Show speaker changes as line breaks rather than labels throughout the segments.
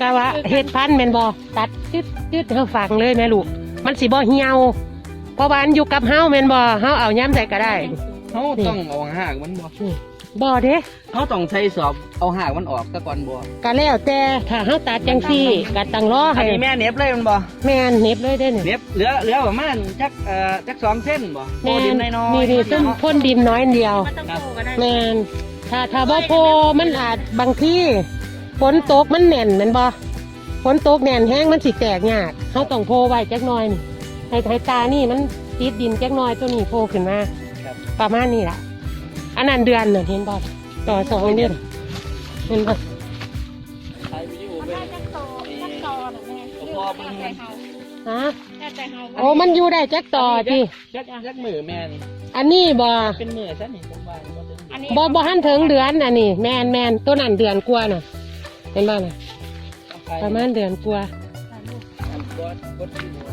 กะว่าเฮ็ดพันธุ์แม่นบ่ตัดจืดเฮาฝังเลยแม่ลูกมันสิบ่เหี่ยวเพราะว่าอันอยู่กับเฮาแม่นบ่เฮาเอาย้ำใส่ก็ได้
เขาต้องเอาหากมันบ่
บ่เด้
เขาต้องใช้สอบเอาหากมันออกซะก่อนบ่
ก็แล้วแต่ถ้าเฮาตัดจังซี่ก็ต้องรอ
อั
ให้
นนี้แม่เน็บเลยมันบ่
แม่นเน็บเลยเด้เนี่ย
เน็บเหลือประมาณจัก2 เส้นบ่โพ
แม่
ดิน
น
น้อยๆ
นี่ซึ่งพ่นดินน้อยเดียว
มันต้องโตก็ได้
แม่นถ้าบ่โพมันอาจบางที่ฝนตกมันแน่นแม่นบ่ฝนตกแน่นแห้งมันสิแตกยากเฮาต้องโพไว้จักหน่อยนี่ให้ตานี่มันติดดินจักหน่อยตัวนี้โพขึ้นมา
ครับ
ประมาณนี้ล่ะอันนั้นเดือนน่ะเห็นบ่ต่อ2 เดือนเห็นบ่
ถ่ายวิดีโอ
มัน
ไป
ได้จักโตน่ะแม่
พอเบิ่ง
แต่เฮา
ฮะ
แต่เฮา
โอ้มันอยู่ได้จักต่อติ
จักมือแม่น
อันนี้บ่
เป็นมือซะนี่ผมว่าบ่ถึง
อันนี้
บ่ทันถึงเดือนอันนี้แม่นตัวนั้นเดือนกว่าน่ะเห็นบ่น่ะประมาณเดือนกว่า
กดที่หัว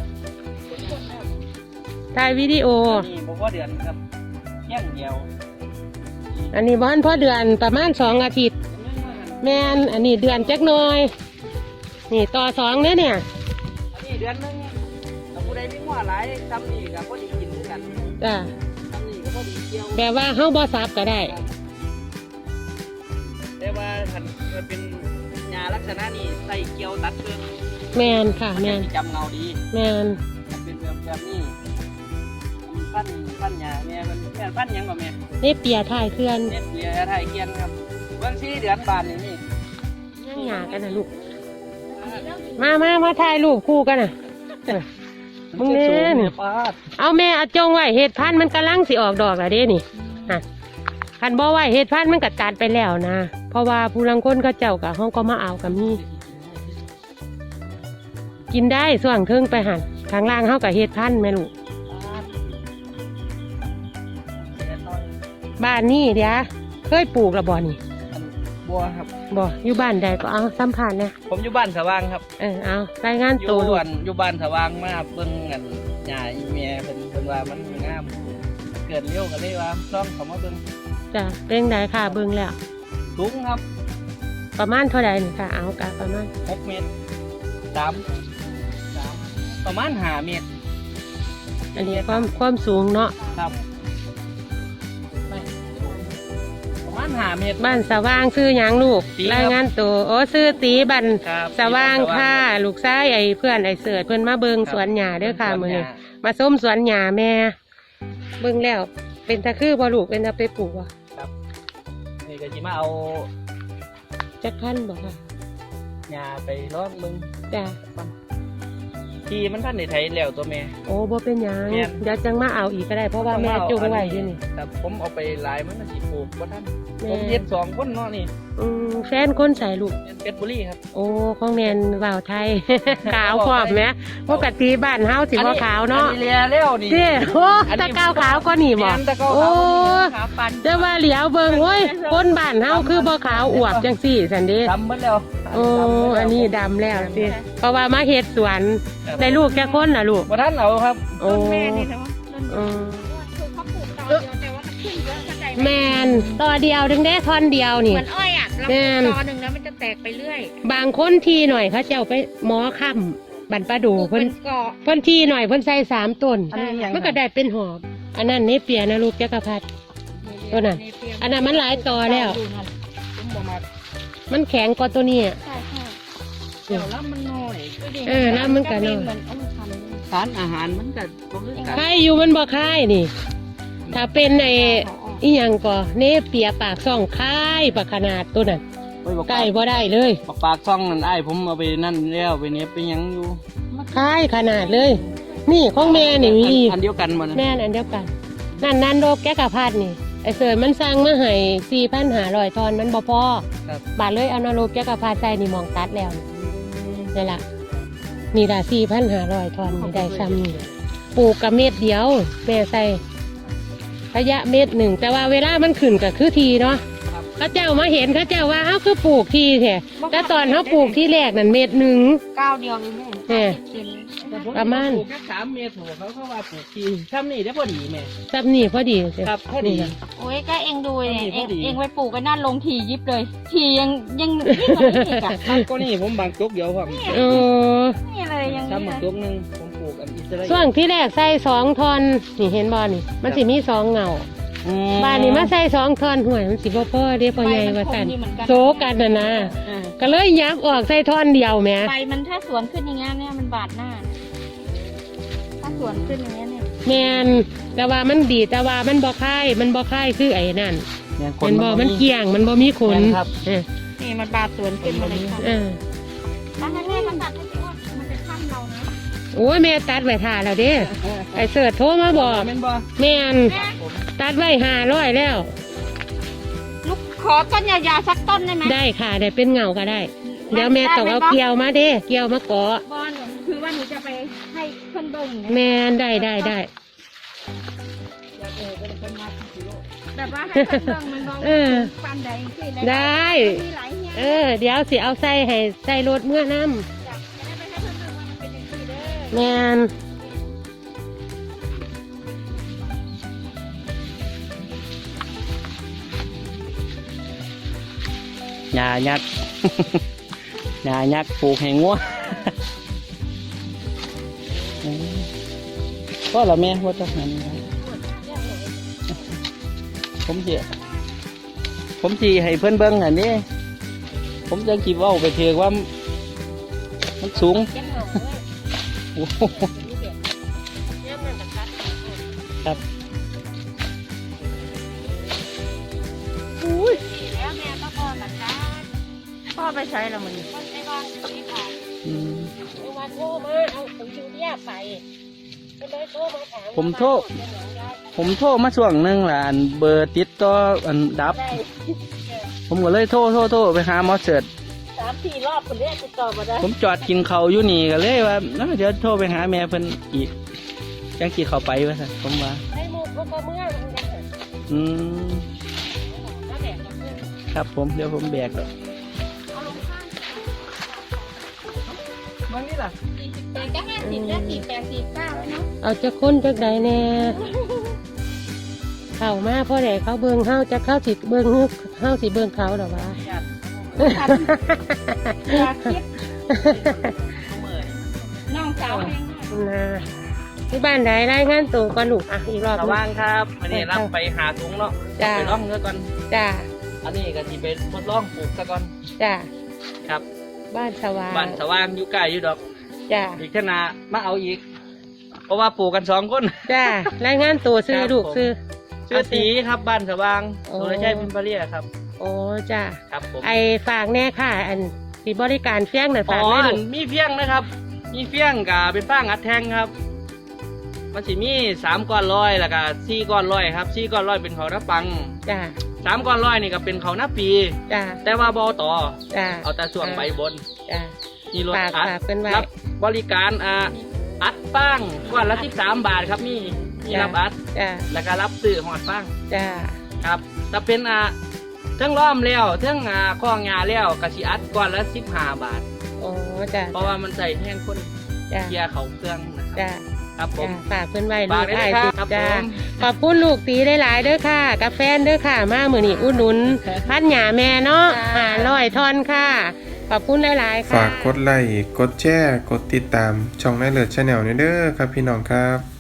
ถ่ายวิดีโอ
นี่บ่ว่าเดือนครับเที่ยงเดียว
อันนี้บ้านพ่อเดือนประมาณ2 อาทิตย์แม่นอันนี้เดือนจักหน่อยนี่ต่อ2เนี่ย
อันนี้เดือนนึงถ้าผู้ใดมีหัวหลายทำนี่ก็พอดีกินด้วยกัน
จ้ะ
ทำนี่ก็พอดีเกี่ยว
แบบว่าเฮาบ่ซับก็ได้
แต่ว่าคันมันเป็นหญ้าลักษณะนี้ใส่เกี่ยวตัดเพิ่ม
แม่นค่ะแม่น
จะจำเงาดี
แม่น
มันเป็นแบบนี้พันหญ้าแม่มันแม่พันหยังบ่แม่
นี่เปียถ่ายเคลื่อน
เน็ตเบียร์ไทยเกียนครับเบื้อง4 เดือนบานนี่
ย่างหยากันนะลูกมาถ่ายรูปคู่กันน่ะมึงเล่น
ปาด
เอาแม่เอาจงไว้เห็ดพันธุ์มันกำลังสิออกดอกแล้วเด้นี่คันบ่ไว้เห็ดพันธุ์มันก็ตัดไปแล้วนะเพราะว่าผู้ลังคนเขาเจ้ากับห้องก็มาเอากับมีกินได้ส่วงเทิงไปหันข้างล่างเฮากับเห็ดพันธุ์แม่ลูกบ้านนี่เดี๋ยวเคยปลูกระบ่นี่
บัวครับ
บ่อยู่บ้านใดก็เอาสัมผัสนะ
ผมอยู่บ้านสว่างครับ
เอารายงาน
อยู่
ตัวลูก
อยู่บ้านสว่างมาเบิ่งกันหญ้าอีเมียเพิ่นว่ามันงามเกิดเร็วกันเลยว่าลองเข้ามาเบิ่ง
จ้ะเป็นไดค่ะเบิ่งแล้ว
สูงครับ
ประมาณเท่าใดนี่ค่ะเอากะประมาณ
6 เมตร3ประมาณ5 เมตร
อันนี้ความสูงเนาะ
ครับประมาณ5 เมตร
บ้านสว่างซื้อหยังลูก
ตีครับ
รายงานตัวโอ้ซื้อตีบัน
ครับ
สว่างค่ะลูกชายไอ้เพื่อนไอ้เสิร์ชเพื่อนมาเบิงสวนหญ้าเด้อค่ะมื้อนี้มาส้มสวนหญ้าแม่เบิ่งแล้วเป็นตะคือบ่ลูกเป็นตะไปปลูกบ่
ครับนี่ก็สิมาเอา
จักพันบ่ค่ะ
หญ้าไปลองเบิ่ง
จ้ะ
ที่มันท่านได้ไถแล้วตัวแม่
โอ้บ่เป็นหยัง
แม่น
เดี๋ยวจังมาเอาอีกก็ได้เพราะว่าแม่จงไว้อยู่นี่
ครับผมเอาไปหลายมันก็สิปลูกบ่ทัน
แม่
ผมเฮ็ด2 คนเนาะนี่
แฟนคนใส่ลูก
เป็นเพชรบุรีครับ
โอ้ของแนนว่าวไทย ขาวพร้อมแหมปกติบ้านเฮาสิบ่ขาวเนาะ
อันนี้เลียแล้วนี่
เด้โอ้
อันนี้
ตะกาวขาวก็นี่บ่
แม่นตะเกา
โอ้
ขาวปัน
จะว่าเหลียวเบิ่งโอ้ยคนบ้านเฮาคือบ่ขาวอวบจังซี่ซั่นเด้
ดำหมดแล้ว
โอ้อันนี้ดำแล้วสิเพราะว่ามาเฮ็ดสวนได้ลูกแค่คนน่ะลูก
บ่ทันเอาครับ
โอ้
ต้นแม่นี่นะว่าต้น
อืม
ถูกเขาปลูกต่อเดียวแต่ว่ามันขึ้นเยอะเข้าใจไหม
แม่นต่อเดียวถึงได้ท่อนเดียวนี่
เหมือนอ้อยอ่ะเรา
แม่
ปลู
น
กตอหนึ่งแล้วมันจะแตกไปเรื่อย
บางคนทีหน่อยเขาเจ้าไปหมอค่ำบันประดู
ปลูก
เพิ่
เป็น นเกาะ
เพิ่นทีหน่อยเพิ่นใส่3 ต้น
อันนี้ยัง
มันก็ได้เป็นหอบอันนั้นเนเปียนะลูกจักรพรรดิ ตัวนั้น อันนั้นมันหลายต่อแล้ว
ผมบ่มัก
มันแข็งกว่าตัวนี้อะ
ใช่ใช่
เดี๋ยวแล้วมันน้อย
น้ำมันก็น้อย
เหมือนเอามาทำ
สารอาหารมันก็บ่คือกัน
คายอยู่มันบ่คายนี่ ถ้าเป็นไอ้อีหยังก็เนเปียปากซ่องคายปากขนาดตัวนั้น
โอ้ยบอก
ใกล้บ่ได้เลย
ปากซ่องนั่นอ้ายผมเอาไปนั่นแล้วไปเนี้ยไปหยังอยู่
คายขนาดเลย นี่ของแม่นี่มี
อันเดียวกันบ่นะ
แม่นอันเดียวกัน นั่นโรคแก้กระพัดนี่ไอ้เสยมันสร้างมาให้4,500 ทอนมันบ่พอ
ครับ
บาทเลยเอานโรคแก้กระพัดใส่นี่หมองตัดแล้วนี่ล่ะนี่ล่ะ4,500 ทอนนี่ได้ซ้ำนี่ปลูกกับเม็ดเดียวแม่ใส่ระยะเม็ดหนึ่งแต่ว่าเวลามันขึ้นก็คือทีเนาะเขาเจ้ามาเห็นเขาเจ้าว่าเฮาคือปลูกที่แท้แต่ตอนเฮาปลูกที่แรกนั่นเม็ดหนึ่ง
ก้าวเดียวเลยแม่
ประมาณ
ปลูกแค่3 เมตรโหเขาว่าปลูกที่ซ้ำนี่ได้พอดีแม่
ซับนี่พอดีเด้
ครับพอดี
โอ้ยก็เองดูเนี่ย
พอดี
เองไปปลูกกันน่าลงทียิบเลย ทียังยิ่งกว่านี้อีกอะ
ครับก็นี่ผมบางจกเดียวครับ
เออ
นี่เลยยัง
ซ้ำบางจกหนึงผมปลูกอันอิสราเอล
ช่วงที่แรกใส่2 ท่อนนี่เห็นบ่นี่ มันสิมี2เงา
อืม
บ้านนี้มาใส่2 ท่อนห่วยมันสิบ่พอเด้พ่อใหญ่ว่าซั่นโซกันน่ะนะ
อ่า
ก็เลยยับออกใส่ท่อนเดียวแหม
ใบมันถ้าสวนขึ้นอย่างเงี้ยเนี่ยมันบาดหน้า ถ้าสวนขึ้นอย่างเงี้ยเนี่ย
แม่นแต่ว่ามันดีแต่ว่ามันบ่คายมันบ่คายคือไอ้นั่น
เนี่ยค
มันบ่มันเกลี่ยงมันบ่มีขน
แม่นครับ
เออ
นี่มันบาดสวนขึ้นมาเลยค่ะ
เออ
ถ้าให้แม่มันตัดให้สิว่ามันจะข้ามเรานะ
โอ้ยแม่ตัดไว้ท่าแล้วเด้ไอ้เสิร์ชโทรมาบอก
แม่นบ่
แม่น
แม่
ตัดไว้500แล้ว
ลูกขอต้นยาวๆสักต้นได้ไหม
ได้ค่ะได้เป็นเงาก็ได้ เดี๋ยวแม่ต้องเอาเกลียวมาเด้เกลียวมาเกาะ
บอลคือว่าหนูจะไปให้เพื่อนเบิ่งนะ
แม่นได้
แบบว่าให้เพื่อนเบิ่งมันบอก
เออ
ฟันใดสิ
ได้
มีหลายเฮีย
เออ เดี๋ยวสิเอาใส่ให้ใส่รถเมื่อน้
อยากจะได้ไปให้เพื่อนเบิ่งว่ามันเป็นอย่างนี้เด้อ
ำแม่น
หญ้ายักษ์ หญ้ายักษ์ปลูกให้งัว ก็ละแม่ว่าจะหันผมสิให้เพื่อนเบิ้งอันนี้ผมจะคิดว่าไปเถือว่ามันสูง
เจ็บหนกเลย
โอ้โห
เนี่ยมันจะคัด
ครับ
อุ้ยแล้วแม่ก็พ่อหลังจ้าพ่อไปใช้แล้วมันพ่อไปวางที่ผ่าน
อืม
เอามาโทรมาเอาของยูเรียไปก็เลยโทรมาถาม
ผมโทรมาช่วงหนึงล่ะอันเบอร์ติดต่ออันดับ
ได้
ผมก็เลยโทรไปหาหมอเสิร์ช
3-4 รอบคนเรียกติดต่อมาได้
ผมจอดกินเขาวอยู่นี่ก็เลยว่าเดี๋ยวโทรไปหาแม่เพิ่นอีกจังสิเข้าไปว่าซั่นผมว่า
ให้หมูเขาก็เมื่อมันกันเถอะ
อืม
ถ้าแบกก็ขึ้น
ครับผมเดี๋ยวผมแบกแล้ววันนี้ล่ะ
แต่ก็50แล้ว48 49แล้วเนาะ
เอาจะค้นจักใดแน่เข้ามาพ่อแดเขาเบิ่งเฮาจะเข้าสิเบิ่งเฮาสิเบิ่งเขาหรอวะ
อยากคิดน้องสาวเอง
นะที่บ้านใดรายงานตัวก่อนลูกอ่ะอีกรอบ
ระวังครับวันนี้รับไปหาถุงเนาะ
จ้า
ไปล่องเนื้อก่อน
จ้า
อันนี้ก็สิไปทดลองปลูกซะก่อน
จ้า
ครับ
บ้านสว่าง
บ้านสว่างอยู่ใกล้อยู่ดอก
จ้า
อีกเท่านามาเอาอีก เพราะว่าปลูกกัน2 คน
จ้ารายงานตัวซื้อลูกซื้อ
ชื่อตีครับบ้านสว่าง
โอ้
โดยใช้พิมพ์ปาเรียครับ
โอ้จ้า
ครับผม
ไอฝากแน่ค่ะ อันสิบริการเฟี้ยงหน่อย
อ๋
ฝาก
อ
ได้ลูก
มีเฟี้ยงนะครับ มีเฟี้ยงกับเป็นฟางอัดแทงครับ มันสิมี3 ก้อนร้อยแล้วก็4 ก้อนร้อยครับ4 ก้อนร้อยเป็นเขาวหน้าปัง
จ้า
3 ก้อนร้อยนี่ก็เป็นเขาวหน้าปี
จ้า
แต่ว่าบอต่อ
จ้า
เอาแต่ส่วนใบบน
จ้า
มีรถ
ฝาก
อัด
ฝากเป็นไว้
รับบริการอัดป้างก้อนละ13 บาทครับมีรับอัด
จ้า
แล้วก็รับซื้อหอดป้าง
จ้า
ครับถ้าเป็นเทั้งล้อมแล้วเทั้งข้องาแล้วกสิอัดก้อนละ15 บาท
โอ้จ้า
เพราะว่ามันใส่แห้งคน
จ้า
เกียร์เขาเครื่องนะครับ
จ้า
ครับผม
ฝากเพื่อนไว้
ฝา
ลู
ก
ก
ได้
ได้
เลย
ติด
ครับ
จ้า
ผม
ขอบคุณลูกตีได้หลายๆเด้อค่ะกาแฟนเด้อค่ะ มามือนี่อุดหนุนพัดหยาแม่เนาะ500 ทอนค่ะ ขอบคุณหลายๆค่ะ
ฝากกดไลค์ กดแชร์ กดติดตาม ช่องนายเลิศชาแนลเด้อครับพี่น้องครับ